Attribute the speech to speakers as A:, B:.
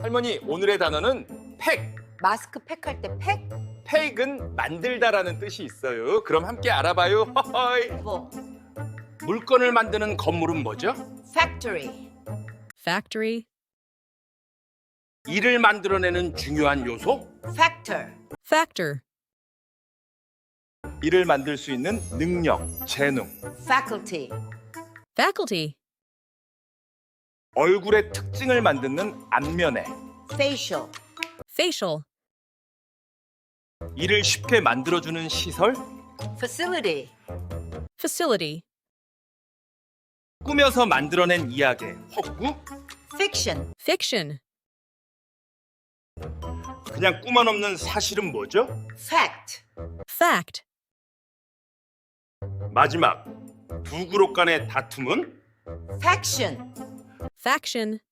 A: 할머니, 오늘의 단어는 팩.
B: 마스크 팩할 때 팩?
A: 팩은 만들다라는 뜻이 있어요. 그럼 함께 알아봐요. 허허이.
B: 뭐?
A: 물건을 만드는 건물은 뭐죠?
B: factory.
C: Factory.
A: 일을 만들어내는 중요한 요소?
B: factor.
C: Factor.
A: 일을 만들 수 있는 능력, 재능.
B: faculty.
C: Faculty.
A: 얼굴의 특징을 만드는 안면에.
B: facial.
C: Facial.
A: 일을 쉽게 만들어주는 시설?
B: facility.
C: Facility.
A: 꾸며서 만들어낸 이야기, 허구?
B: fiction.
C: Fiction.
A: 그냥 꿈만 없는 사실은 뭐죠?
B: fact.
C: Fact.
A: 마지막, 두 그룹 간의 다툼은?
B: faction.
C: Faction.